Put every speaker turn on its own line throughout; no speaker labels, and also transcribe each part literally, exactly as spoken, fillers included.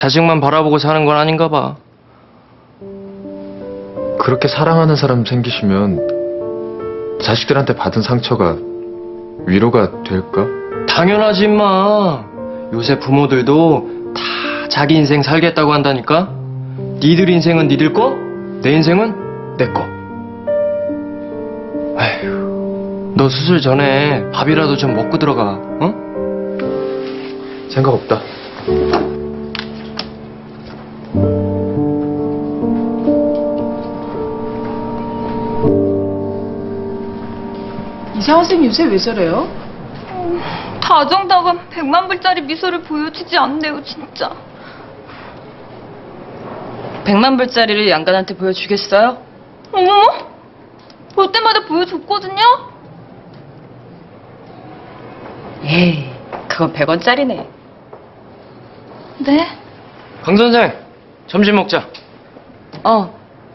자식만 바라보고 사는 건 아닌가 봐.
그렇게 사랑하는 사람 생기시면 자식들한테 받은 상처가 위로가 될까?
당연하지 임마. 요새 부모들도 다 자기 인생 살겠다고 한다니까. 니들 인생은 니들 거, 내 인생은 내 거. 아휴, 너 수술 전에 밥이라도 좀 먹고 들어가. 어?
생각 없다.
이상한 쌤 요새 왜 저래요?
다정다감 백만 불짜리 미소를 보여주지 않네요, 진짜. 백만 불짜리를 양간한테 보여주겠어요? 어머머? 볼 때마다 보여줬거든요? 에이, 그건 백 원짜리네. 네?
강 선생, 점심 먹자.
어.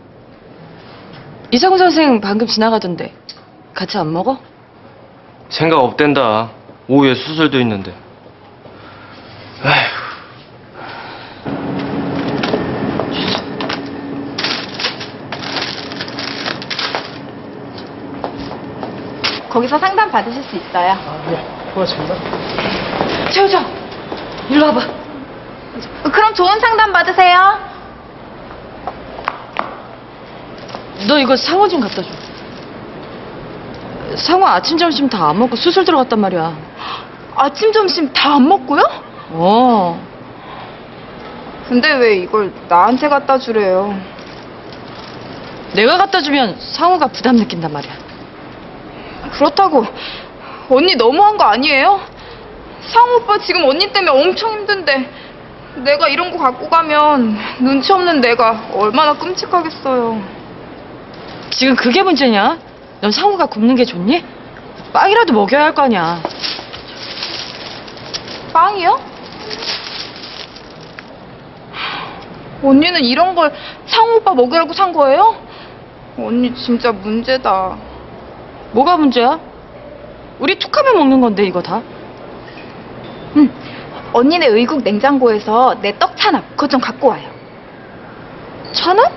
이상우 선생 방금 지나가던데. 같이 안 먹어?
생각 없댄다. 오후에 수술도 있는데. 아휴.
거기서 상담 받으실 수 있어요.
아, 네. 고맙습니다.
최우정, 일로 와봐.
그럼 좋은 상담 받으세요.
너 이거 상어 좀 갖다 줘. 상어 아침 점심 다 안 먹고 수술 들어갔단 말이야.
아침 점심 다 안 먹고요?
어.
근데 왜 이걸 나한테 갖다 주래요?
내가 갖다 주면 상우가 부담 느낀단 말이야.
그렇다고 언니 너무한 거 아니에요? 상우 오빠 지금 언니 때문에 엄청 힘든데 내가 이런 거 갖고 가면 눈치 없는 내가 얼마나 끔찍하겠어요.
지금 그게 문제냐? 넌 상우가 굶는 게 좋니? 빵이라도 먹여야 할 거 아니야.
빵이요? 언니는 이런 걸 상우 오빠 먹으라고 산 거예요? 언니 진짜 문제다.
뭐가 문제야? 우리 툭하면 먹는 건데 이거 다.
응. 언니네 의국 냉장고에서 내 떡 찬압 그거 좀 갖고 와요.
찬압?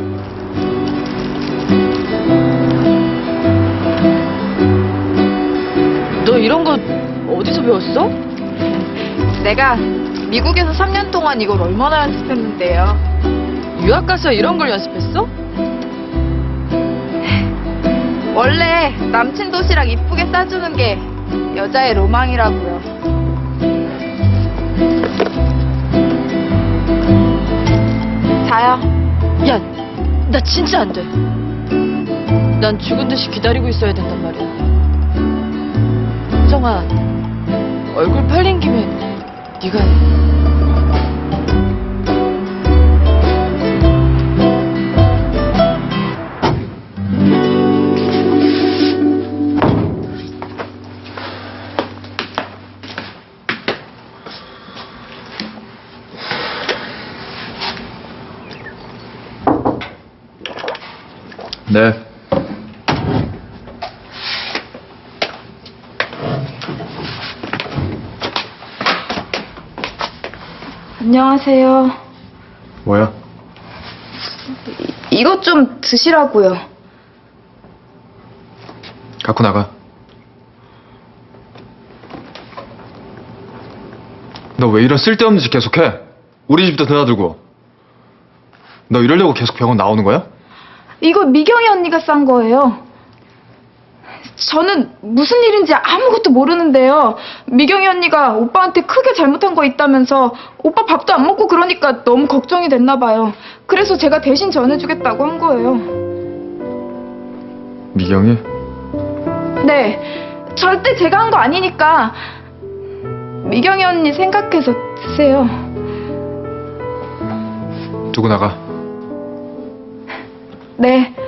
너 이런 거 어디서 배웠어?
내가 미국에서 삼 년 동안 이걸 얼마나 연습했는데요.
유학 가서 이런 걸 연습했어?
원래 남친 도시락 이쁘게 싸주는 게 여자의 로망이라고요. 자요.
야, 나 진짜 안 돼. 난 죽은 듯이 기다리고 있어야 된단 말이야. 혜정아, 얼굴 팔린 김에 네가 해.
네.
안녕하세요.
뭐야?
이, 이것 좀 드시라고요.
갖고 나가. 너 왜 이런 쓸데없는 짓 계속해? 우리 집도 드나들고. 너 이러려고 계속 병원 나오는 거야?
이거 미경이 언니가 싼 거예요. 저는 무슨 일인지 아무것도 모르는데요. 미경이 언니가 오빠한테 크게 잘못한 거 있다면서 오빠 밥도 안 먹고 그러니까 너무 걱정이 됐나 봐요. 그래서 제가 대신 전해주겠다고 한 거예요.
미경이?
네, 절대 제가 한 거 아니니까 미경이 언니 생각해서 드세요.
두고 나가.
네.